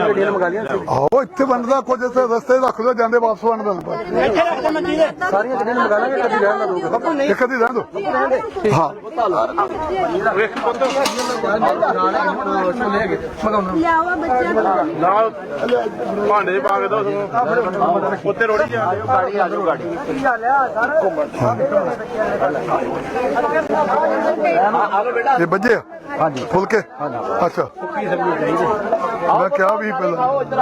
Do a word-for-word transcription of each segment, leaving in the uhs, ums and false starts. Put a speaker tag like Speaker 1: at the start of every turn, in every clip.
Speaker 1: ਆਹੋ ਇੱਥੇ ਬਣਦਾ ਕੁਝ ਇੱਥੇ ਰਸਤੇ ਰੱਖ ਲਓ ਜਾਂਦੇ ਵਾਪਸ ਵੰਡ ਦਿੰਦੇ ਸਾਰੀਆਂ ਗੱਡੀਆਂ ਮੰਗਾ ਲਾਂਗੇ ਕਦੀ ਰਹਿਣ ਨਾ ਦੋਗੇ ਇੱਕ ਅੱਧੀ ਰਹਿਣ ਦੋ ਹਾਂ
Speaker 2: ਨਾਲ ਭਾਂਡੇ ਪਾ ਕੇ ਦੋ ਉੱਤੇ ਰੋੜੀ ਗਾੜੀ ਆ ਜਾਓ ਗਾੜੀ
Speaker 1: ਇਹ ਬੱਜੇ ਹਾਂਜੀ ਫੁਲਕੇ ਅੱਛਾ ਮੈਂ ਕਿਹਾ ਵੀ ਪਹਿਲਾਂ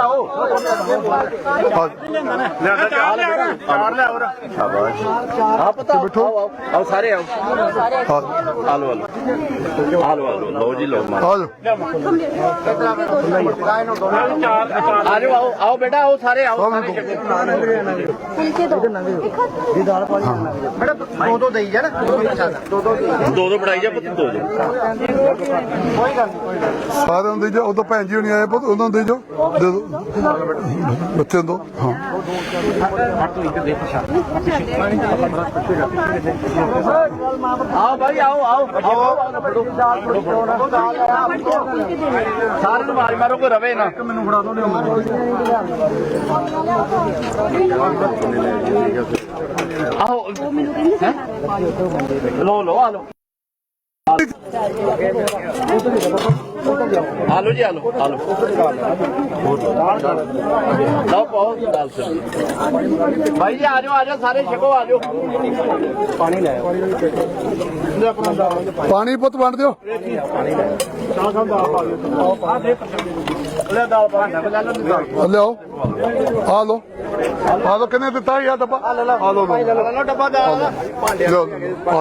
Speaker 2: ਆ ਪਤਾ ਬੈਠੋ ਆਓ ਸਾਰੇ ਆਓ ਆਲੋ ਆਲੋ ਆਲੋ ਆਲੋ ਲਓ ਜੀ ਲਓ
Speaker 1: ਆ ਜਾਓ
Speaker 2: ਆ ਜਾਓ ਆਓ ਆਓ ਬੇਟਾ ਆਓ ਸਾਰੇ ਆਓ
Speaker 3: ਦੋ ਦੋ ਦੇਈ ਜਾ ਨਾ ਦੋ ਦੋ
Speaker 2: ਦੋ ਦੋ ਬਣਾਈ ਜਾ ਪੁੱਤ ਦੋ ਦੋ
Speaker 1: ਸਾਰਿਆਂ ਨੂੰ ਦੇ ਜਾ ਉਦੋਂ ਭੈਣ ਜੀ ਹੋਣੀ ਆਏ ਪੁੱਤ ਉਹਨਾਂ ਨੂੰ ਦੇ ਜਾਓ ਦੇ ਦਿਓ ਬੱਚੇ ਦੋ ਹਾਂ
Speaker 2: ਆਓ ਭਾਈ ਆਓ ਆਓ ਸਾਰੇ ਨੂੰ ਮਾਰ ਮਾਰੋ ਕੋਈ ਰਵੇ ਨਾ ਮੈਨੂੰ ਫੜਾ ਦੋ ਆਓ ਲੋ ਲੋ ਆ ਲੋ आलू जी आलू आलू लाओ पाओ दाल से भाई जी आ जाओ आ जाओ सारे छको आ जाओ पानी ले
Speaker 1: ਪਾਣੀ ਪੁੱਤ ਵੰਡ ਦਿਓ ਲਿਆਓ ਆ ਲੋ ਆ ਲੋ ਕਿੰਨੇ ਦਿੱਤਾ ਯਾ ਡੱਬਾ ਆ ਲੋ ਆ ਲੋ
Speaker 2: डब्बा दाल
Speaker 1: ਲਿਓ ਆ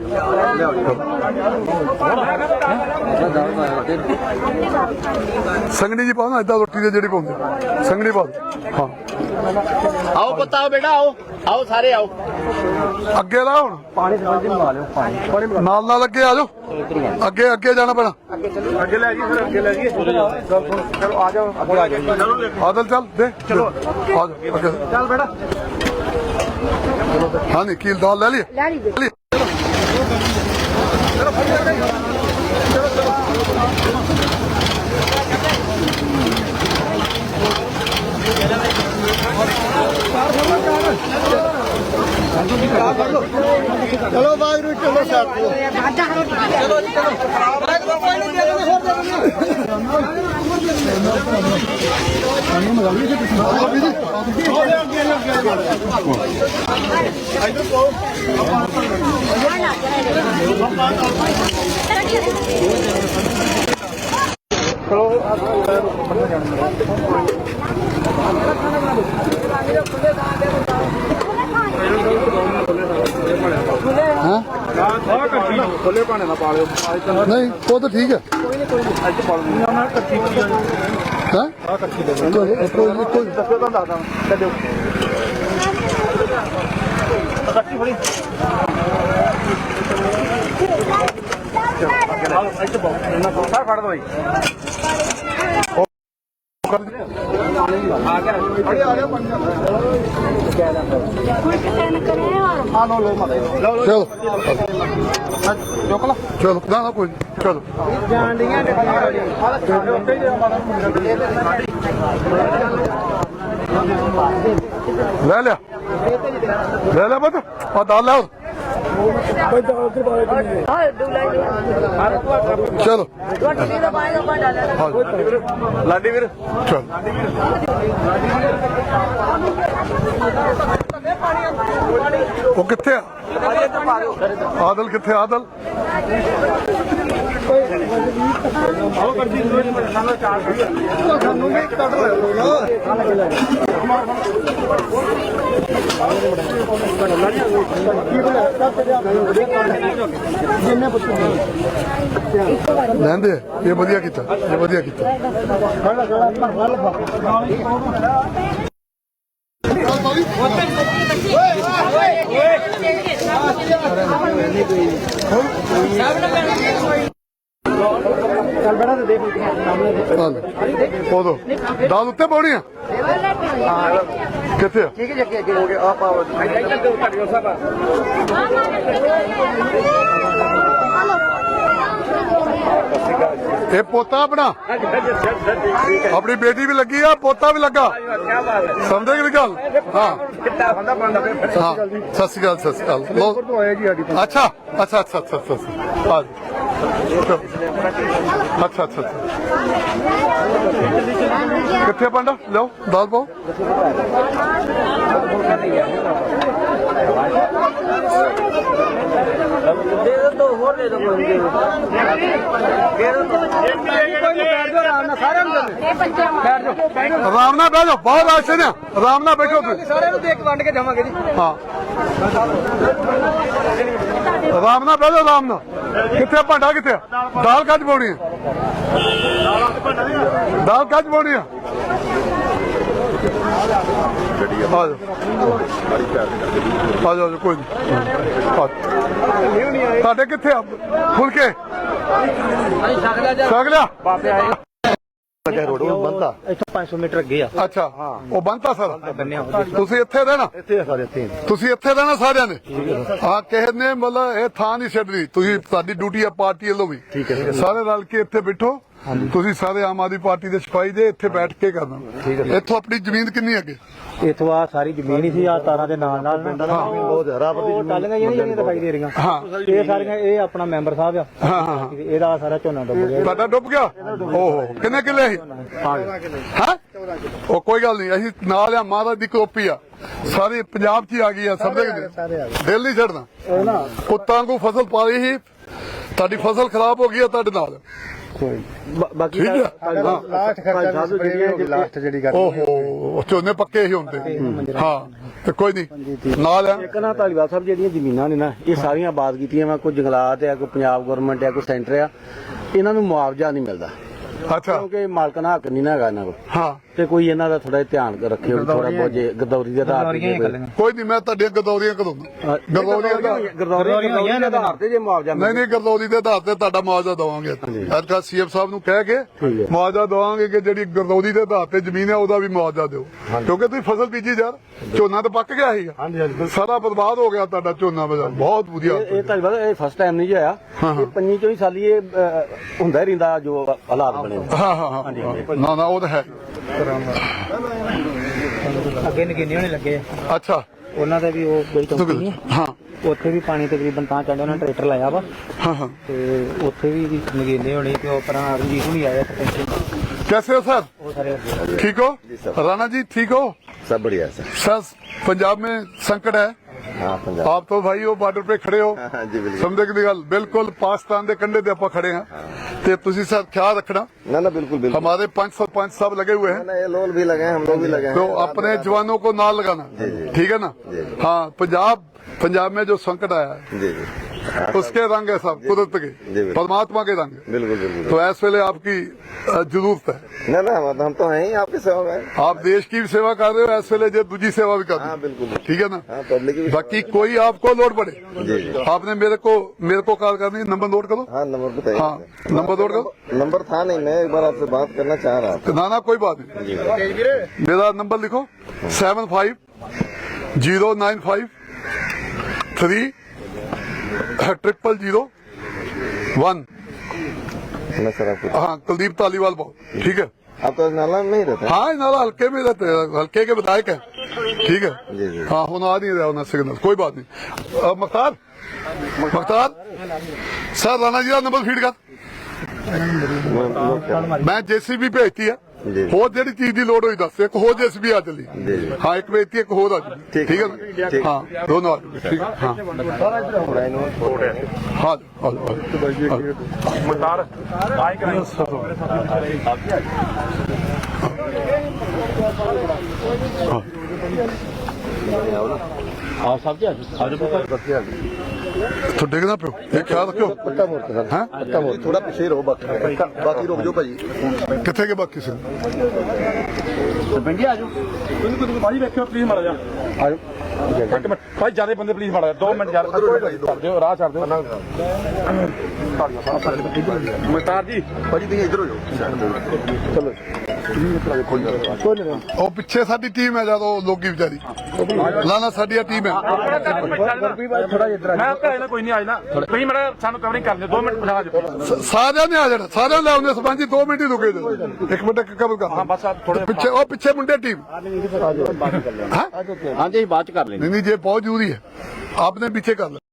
Speaker 1: ਸੰਗਣੀ ਜੀ ਪਾਓ ਨਾ ਏਦਾਂ ਰੋਟੀ ਦੇ ਜਿਹੜੀ ਪਾਉਂਦੇ ਸੰਗਣੀ ਪਾ ਦਿਓ ਹਾਂ
Speaker 2: आओ पता आओ बेटा आओ आओ सारे आओ
Speaker 1: ਅੱਗੇ ਲਾ ਹੁਣ
Speaker 3: ਪਾਣੀ ਸਮਝ ਲਵਾ ਲਿਓ ਪਾਣੀ
Speaker 1: ਨਾਲ ਨਾਲ ਅੱਗੇ ਆ ਜਾਓ ਅੱਗੇ ਅੱਗੇ ਜਾਣਾ ਪੈਣਾ
Speaker 2: ਅੱਗੇ ਲੈ ਜੀ ਫਿਰ ਅੱਗੇ ਲੈ ਜੀ
Speaker 3: ਚਲੋ ਆ ਜਾਓ ਅੱਗੇ ਆ ਜਾਓ
Speaker 1: ਆਦਲ ਚੱਲ ਦੇ ਚਲੋ ਆ ਜਾਓ ਅੱਗੇ
Speaker 3: ਚੱਲ ਬੇਟਾ
Speaker 1: ਹਾਂ ਨਹੀਂ ਕੀਲ ਦਾਲ ਲੈ ਲਈ ਲੈ ਲਈ
Speaker 3: ਚਲੋ ਬਾਗ ਨੂੰ ਚਲੋ ਸਾਥ ਚਲੋ ਜੀ ਚਲੋ
Speaker 2: ਖੁੱਲੇ ਭਾਣੇ ਨਾ ਪਾ ਲਿਓ
Speaker 1: ਨਹੀਂ ਉਹ ਤਾਂ ਠੀਕ ਹੈ
Speaker 2: ਅੱਜ ਪਾ ਲਓ ਨਾ ਕੱਚੀ
Speaker 1: ਹਾਂ
Speaker 2: ਆ ਕੱਚੀ ਦੇ
Speaker 1: ਚਲੋ ਕੋਈ ਕੋਈ
Speaker 2: ਦੱਸੋ ਤਾਂ ਦੱਸਦਾ ਕੱਢਿਓ ਕੱਚੀ ਫੜੀ ਚਲੋ ਇੱਥੇ ਪਾਓ ਇਹਨਾਂ ਕੋਲ ਸਾਰ ਫੜ ਦੋ ਜੀ ਆ ਗਿਆ ਅੜੇ ਆ ਗਿਆ ਪੰਜ ਆ ਲੋ ਲੋ ਮਤ ਲੋ ਲੋ
Speaker 1: ਚਲੋ
Speaker 2: ਚੁੱਕ ਲਾ
Speaker 1: ਚਲੋ ਨਾ ਨਾ ਕੋਈ ਚਲੋ
Speaker 3: ਜਾਣ ਦੀਆਂ
Speaker 1: ਲੈ ਲਿਆ ਲੈ ਲਿਆ ਬਤ ਆ ਦਾਲ ਲੈ ਚਲੋ
Speaker 2: ਲਾਡੀ ਵੀਰ
Speaker 1: ਚਲ ਉਹ ਕਿੱਥੇ ਆ ਆਦਲ ਕਿੱਥੇ ਆਦਲ
Speaker 2: ਆਓ ਕਰਦੀ ਸਾਨੂੰ ਚਾਰ
Speaker 3: ਸਾਨੂੰ ਵੀ ਕੱਢ
Speaker 1: ਲੈਂਦੇ ਇਹ ਵਧੀਆ ਕੀਤਾ ਇਹ ਵਧੀਆ ਕੀਤਾ
Speaker 3: ਚੱਲ ਬੜਾ ਤੇ ਦੇਖ ਸਾਹਮਣੇ
Speaker 1: ਉਦੋਂ ਦਾਲ ਉੱਤੇ ਪਾਉਣੀ ਆ ਕਿੱਥੇ ਆ
Speaker 3: ਠੀਕ ਹੈ ਅੱਗੇ ਅੱਗੇ ਹੋ ਗਿਆ ਆ ਪਾਓ ਇੱਧਰ ਤੁਹਾਡੀ ਉਹ ਸਭ
Speaker 1: ਇਹ ਪੋਤਾ ਆਪਣਾ ਆਪਣੀ ਬੇਟੀ ਵੀ ਲੱਗੀ ਆ ਪੋਤਾ ਵੀ ਲੱਗਾ ਸਮਝੇ ਕਿ ਗੱਲ ਹਾਂ ਹਾਂ ਸਤਿ ਸ਼੍ਰੀ ਅਕਾਲ ਸਤਿ ਸ਼੍ਰੀ ਅਕਾਲ ਲਓ। ਅੱਛਾ ਅੱਛਾ ਅੱਛਾ ਅੱਛਾ ਅੱਛਾ ਆ ਅੱਛਾ ਅੱਛਾ ਅੱਛਾ ਕਿੱਥੇ ਪੰਡਾ ਲਓ ਦਾਲ ਪਾਓ
Speaker 3: ਦੇ ਦੋ ਹੋਰ ਦੇ ਦੋ ਕੋਈ ਦੇ ਦੋ ਸਾਰਿਆਂ ਨੂੰ ਬੈਠ ਜਾਓ
Speaker 1: ਆਰਾਮ ਨਾਲ ਬਹਿ ਜਾਓ ਬਹੁਤ ਆਸ਼ੇ ਨੇ ਆਰਾਮ ਨਾਲ ਬੈਠੋ ਤੁਸੀਂ
Speaker 3: ਸਾਰਿਆਂ ਨੂੰ ਦੇਖ ਵੰਡ ਕੇ ਜਾਵਾਂਗੇ ਜੀ
Speaker 1: ਹਾਂ ਆਰਾਮ ਨਾਲ ਬਹਿ ਜਾਓ ਆਰਾਮ ਨਾਲ ਕਿੱਥੇ ਭਾਂਡਾ ਕਿੱਥੇ ਆ? ਦਾਲ ਕੱਜ ਪਾਉਣੀ ਹੈ ਦਾਲ ਕੱਜ ਪਾਉਣੀ ਆ ਆ ਜਾਓ ਆ ਜਾਓ ਕੋਈ ਨਹੀਂ ਤੁਹਾਡੇ ਕਿੱਥੇ ਆ ਫੁਲਕੇ ਛਕ ਲਿਆ
Speaker 4: ਰੋਡ ਉਹ ਬੰਦਾ
Speaker 3: ਇੱਥੋਂ ਪੰਜ ਸੌ ਮੀਟਰ ਅੱਗੇ ਆ
Speaker 1: ਅੱਛਾ ਉਹ ਬੰਤਾ ਸਰ ਤੁਸੀਂ ਇੱਥੇ ਰਹਿਣਾ
Speaker 4: ਇੱਥੇ ਸਾਰੇ ਇੱਥੇ
Speaker 1: ਤੁਸੀਂ ਇੱਥੇ ਰਹਿਣਾ ਸਾਰਿਆਂ ਨੇ ਹਾਂ ਕਿਸੇ ਨੇ ਮਤਲਬ ਇਹ ਥਾਂ ਨਹੀਂ ਛੱਡਣੀ ਤੁਸੀਂ ਤੁਹਾਡੀ ਡਿਊਟੀ ਆ ਪਾਰਟੀ ਵੱਲੋਂ ਵੀ
Speaker 4: ਠੀਕ ਹੈ
Speaker 1: ਸਾਰੇ ਰਲ ਕੇ ਇੱਥੇ ਬੈਠੋ ਤੁਸੀਂ ਸਾਰੇ ਆਮ ਆਦਮੀ ਪਾਰਟੀ ਦੇ ਸਿਪਾਹੀ ਦੇ ਇੱਥੇ ਬੈਠ ਕੇ ਕਰਨਾ ਇੱਥੋਂ ਆਪਣੀ ਜ਼ਮੀਨ ਕਿੰਨੀ ਅੱਗੇ
Speaker 3: ਇੱਥੋਂ ਆ ਸਾਰੀ ਜ਼ਮੀਨ ਹੀ ਸੀ ਆ ਤਾਰਾਂ ਦੇ ਨਾਲ ਨਾਲ
Speaker 4: ਬਹੁਤ ਹਰਾਬਰ ਦੀ
Speaker 3: ਉਹ ਟਾਲੀਆਂ ਜਿਹੜੀਆਂ ਜਿਹੜੀਆਂ ਦਿਖਾਈ ਦੇ ਰਹੀਆਂ
Speaker 1: ਹਾਂ
Speaker 3: ਇਹ ਸਾਰੀਆਂ ਇਹ ਆਪਣਾ ਮੈਂਬਰ ਸਾਹਿਬ ਆ
Speaker 1: ਹਾਂ ਹਾਂ
Speaker 3: ਇਹਦਾ ਸਾਰਾ ਝੋਨਾ ਡੁੱਬ ਗਿਆ
Speaker 1: ਤੁਹਾਡਾ ਡੁੱਬ ਗਿਆ ਓਹੋ ਕਿੰਨੇ ਕਿੱਲੇ ਸੀ ਹਾਂ ਉਹ ਕੋਈ ਗੱਲ ਨਹੀਂ ਅਸੀਂ ਨਾਲ ਆ ਮਹਾਰਾਜ ਦੀ ਕੋਪੀ ਆ ਸਾਰੇ ਪੰਜਾਬ 'ਚ ਹੀ ਆ ਗਈ ਆ ਸਮਝੇ ਕਿ ਨਹੀਂ? ਦਿਲ ਨਹੀਂ ਛੱਡਣਾ ਪੁੱਤਾਂ ਨੂੰ ਫਸਲ ਪਾਈ ਸੀ ਤੁਹਾਡੀ ਫਸਲ ਖਰਾਬ ਹੋ ਗਈ ਆ ਤੁਹਾਡੇ ਨਾਲ
Speaker 3: ਬਾਕੀ
Speaker 1: ਠੀਕ ਹੈ
Speaker 4: ਲਾਸਟ ਖਰਚਾ ਲਾਸਟ ਜਿਹੜੀ ਗੱਲ
Speaker 1: ਓਹੋ ਝੋਨੇ ਪੱਕੇ ਹੀ ਹੁੰਦੇ ਹਾਂ ਤੇ ਕੋਈ ਨਹੀਂ ਨਾਲ ਆ
Speaker 5: ਇੱਕ ਨਾ ਧਾਲੀਵਾਲ ਸਾਹਿਬ ਜਿਹੜੀਆਂ ਜ਼ਮੀਨਾਂ ਨੇ ਨਾ ਇਹ ਸਾਰੀਆਂ ਆਬਾਦ ਕੀਤੀਆਂ ਵਾ ਕੋਈ ਜੰਗਲਾਤ ਆ ਕੋਈ ਪੰਜਾਬ ਗਵਰਨਮੈਂਟ ਆ ਕੋਈ ਸੈਂਟਰ ਆ ਇਹਨਾਂ ਨੂੰ ਮੁਆਵਜ਼ਾ ਨਹੀਂ ਮਿਲਦਾ
Speaker 1: ਅੱਛਾ
Speaker 5: ਕਿਉਂਕਿ ਮਾਲਕਾਨਾ ਹੱਕ ਨਹੀਂ ਨਾ ਹੈਗਾ ਇਹਨਾਂ ਕੋਲ
Speaker 1: ਹਾਂ
Speaker 5: ਤੇ ਕੋਈ ਇਹਨਾਂ ਦਾ ਥੋੜਾ ਧਿਆਨ ਰੱਖਿਓ ਥੋੜਾ ਬਹੁਤ ਜੇ ਗਦੌਰੀ ਦੇ ਆਧਾਰ ਤੇ
Speaker 1: ਕੋਈ ਨਹੀਂ ਮੈਂ ਤੁਹਾਡੀਆਂ ਗਦੌਰੀਆਂ ਕਰਾਉਂਦਾ ਗਦੌਰੀਆਂ ਦਾ
Speaker 5: ਗਦੌਰੀ ਦੇ ਆਧਾਰ ਤੇ ਜੇ ਮੁਆਵਜ਼ਾ
Speaker 1: ਨਹੀਂ ਨਹੀਂ ਗਰਦੌਰੀ ਦੇ ਆਧਾਰ ਤੇ ਤੁਹਾਡਾ ਮੁਆਵਜ਼ਾ ਦਵਾਂਗੇ ਅੱਜ ਸੀਐਮ ਸਾਹਿਬ ਨੂੰ ਕਹਿ ਕੇ ਮੁਆਵਜ਼ਾ ਦਵਾਂਗੇ ਕਿ ਜਿਹੜੀ ਗਰਦੌਰੀ ਦੇ ਆਧਾਰ ਤੇ ਜ਼ਮੀਨ ਹੈ ਉਹਦਾ ਵੀ ਮੁਆਵਜ਼ਾ ਦਿਓ ਕਿਉਂਕਿ ਤੁਸੀਂ ਫਸਲ ਬੀਜੀ ਯਾਰ ਝੋਨਾ ਤਾਂ ਪੱਕ ਗਿਆ ਸੀਗਾ ਸਾਰਾ ਬਰਬਾਦ ਹੋ ਗਿਆ ਤੁਹਾਡਾ ਝੋਨਾ ਬਾਜ਼ਾਰ ਬਹੁਤ ਵਧੀਆ
Speaker 5: ਇਹ ਧਾਲੀਵਾਲ ਇਹ ਫਸਟ ਟਾਈਮ ਨਹੀਂ ਹੋਇਆ ਇਹ ਪੰਜੀ ਚੋਂ ਹੀ ਸਾਲੀ ਇਹ ਅਹ, ਹੁੰਦਾ ਹੀ ਰਹਿੰਦਾ ਜੋ ਹਾਲਾਤ ਬਣੇ
Speaker 1: ਹਾਂ ਹਾਂ ਹਾਂ ਨਾ ਨਾ ਉਹ ਤਾਂ ਹੈ
Speaker 3: ਅੱਗੇ ਨਗੀਨੇ ਹੋਣੇ ਲੱਗੇ
Speaker 1: ਅੱਛਾ
Speaker 3: ਉਹਨਾਂ ਦਾ ਵੀ ਉਹ ਕੋਈ ਕੰਪਨੀ
Speaker 1: ਹਾਂ
Speaker 3: ਉੱਥੇ ਵੀ ਪਾਣੀ ਤਕਰੀਬਨ ਤਾਂ ਚੜਿਆ ਉਹਨਾਂ ਟਰੈਕਟਰ ਲਾਇਆ ਵਾ
Speaker 1: ਹਾਂ ਹਾਂ
Speaker 3: ਤੇ ਉੱਥੇ ਵੀ ਨਗੀਨੇ ਹੋਣੇ ਤੇ ਉਹ ਪਰਾਂ ਰਣਜੀਤ ਨੂੰ ਆਇਆ ਸਰਪੰਚ
Speaker 1: कैसे हो सर
Speaker 3: ਉਹ ਸਾਰੇ ਲੱਗੇ
Speaker 1: ठीक हो राणा जी ठीक हो
Speaker 4: सब बढ़िया सर
Speaker 1: सर पंजाब में संकट है
Speaker 4: हाँ पंजाब
Speaker 1: आप तो भाई हो बार्डर पे खड़े हो
Speaker 4: हाँ जी बिल्कुल
Speaker 1: समझे की गल बिल्कुल पाकिस्तान के कंढे ते आप खड़े हैं ते तुसी सर ख्याल रखना
Speaker 4: ना ना बिल्कुल बिल्कुल
Speaker 1: हमारे पंच सरपंच सब लगे हुए हैं
Speaker 4: ना ये लोग भी लगे हैं हम लोग भी लगे
Speaker 1: तो
Speaker 4: हैं
Speaker 1: अपने जवानों को ना लगाना ठीक है ना हाँ पंजाब पंजाब में जो संकट आया है
Speaker 4: जी जी
Speaker 1: उसके रंग है सब कुदरत के
Speaker 4: बिल्कुल।
Speaker 1: परमात्मा के रंग है।
Speaker 4: बिल्कुल बिल्कुल
Speaker 1: तो ऐसे वेले आपकी अ, जरूरत है
Speaker 4: ना ना हम हम तो हैं ही आपकी सेवा में
Speaker 1: आप देश की भी सेवा कर रहे हो ऐसे वेले जो दूसरी सेवा भी कर रहे
Speaker 4: हाँ
Speaker 1: हो
Speaker 4: बिल्कुल
Speaker 1: ठीक है ना
Speaker 4: हाँ पब्लिक की भी
Speaker 1: बाकी कोई आपको लोड पड़े
Speaker 4: जी जी
Speaker 1: आपने मेरे को मेरे को कॉल करनी है, नंबर नोट करो
Speaker 4: हाँ नंबर बताइए
Speaker 1: हाँ नंबर नोट करो
Speaker 4: नंबर था नहीं मैं एक बार आपसे बात करना चाह रहा था
Speaker 1: ना ना कोई बात नहीं मेरा नंबर लिखो seven five zero nine five three triple zero one
Speaker 4: मैं सर आपको
Speaker 1: हाँ कुलदीप तालीवाल बहुत ठीक है
Speaker 4: आप तो नाला में नहीं रहते हैं?
Speaker 1: हाँ नाला हल्के में रहते हैं हल्के के विधायक है ठीक है
Speaker 4: जी जी
Speaker 1: हाँ होना आ नहीं रहा होना सिग्नल कोई बात नहीं अ, मख्तार मख्तार सर राणा जी का नंबर फीड कर
Speaker 4: मैं- मैं क्या-
Speaker 1: मैं जेसीबी भेजती है
Speaker 4: जी।
Speaker 1: ਹੋਰ ਜਿਹੜੀ ਚੀਜ਼ ਦੀ ਲੋੜ ਹੋਈ ਦੱਸ ਇੱਕ ਹੋਰ ਜੇਸੀਬੀ ਆ ਚਲੀ
Speaker 4: ਜੀ ਜੀ
Speaker 1: ਹਾਂ ਇੱਕ ਵੇਚਤੀ ਇੱਕ ਹੋਰ ਆ ਜੀ
Speaker 4: ਠੀਕ
Speaker 1: ਠੀਕ
Speaker 4: ਹੈ।
Speaker 1: ਹੈ
Speaker 4: ਠੀਕ।
Speaker 1: ਨਾ ਹਾਂ ਦੋਨੋਂ ਆ ਜਾਓ, ਠੀਕ ਹੈ ਹਾਂ ਹਾਂ
Speaker 6: ਮਤਾਰ ਮਾਈਕ ਨਹੀਂ
Speaker 5: ਆਹ ਸਭ ਜੀ
Speaker 1: तो देखना पे ये ख्याल रखो
Speaker 4: पट्टा मोड़ के सर
Speaker 1: हाँ
Speaker 4: पट्टा मोड़ थोड़ा पीछे रहो बाकी बाकी रोक जो भाजी
Speaker 1: कितने के बाकी से
Speaker 5: ਪਿੰਡੀ ਆ ਜਾਓ
Speaker 6: ਤੁਸੀਂ ਕੋਈ ਭਾਜੀ ਵੇਖਿਓ ਪਲੀਜ਼ ਮਾੜਾ ਜਾ ਇੱਕ ਮਿੰਟ ਭਾਈ ਜਿਆਦਾ ਬੰਦੇ ਪਲੀਜ਼ ਮਾੜਾ ਦੋ ਮਿੰਟ ਯਾਰ ਕਰ ਦਿਓ ਰਾਹ ਛੱਡ ਦਿਓ ਮਤਾਰ ਜੀ
Speaker 4: भाजी तुम इधर हो जाओ चलो
Speaker 1: ਉਹ ਪਿੱਛੇ ਸਾਡੀ ਟੀਮ ਹੈ ਜਦੋਂ ਲੋਕੀ ਵਿਚਾਰੀ ਲਾਣਾ ਸਾਡੀ ਟੀਮ ਹੈ।
Speaker 6: ਮੈਂ ਘਰੇ ਨਾ ਕੋਈ ਨਹੀਂ ਆਜ ਨਾ ਤੁਸੀਂ ਮੇਰਾ ਸਾਨੂੰ ਕਵਰਿੰਗ ਕਰ ਲਿਓ ਦੋ ਮਿੰਟ ਬਣਾ ਦਿਓ
Speaker 1: ਸ- ਸਾਰਿਆਂ ਨੇ ਆ ਜਾਣਾ, ਸਾਰਿਆਂ ਨੇ ਆਉਂਦੇ ਸਰਪੰਚ ਜੀ ਦੋ ਮਿੰਟ ਹੀ ਰੁਕੇ ਜੀ। ਇੱਕ ਮਿੰਟ ਇੱਕ ਕਬਲ ਕਰ
Speaker 6: ਹਾਂ ਬਸ ਆ ਥੋੜੇ
Speaker 1: ਪਿੱਛੇ ਉਹ ਪਿੱਛੇ ਮੁੰਡੇ ਟੀਮ
Speaker 2: ਹਾਂਜੀ ਅਸੀਂ ਬਾਅਦ ਚ ਕਰ ਲੈਂਦੇ
Speaker 1: ਨਹੀਂ ਨਹੀਂ ਜੇ ਬਹੁਤ ਜ਼ਰੂਰੀ ਹੈ ਆਪਨੇ ਪਿੱਛੇ ਕਰ ਲੈ।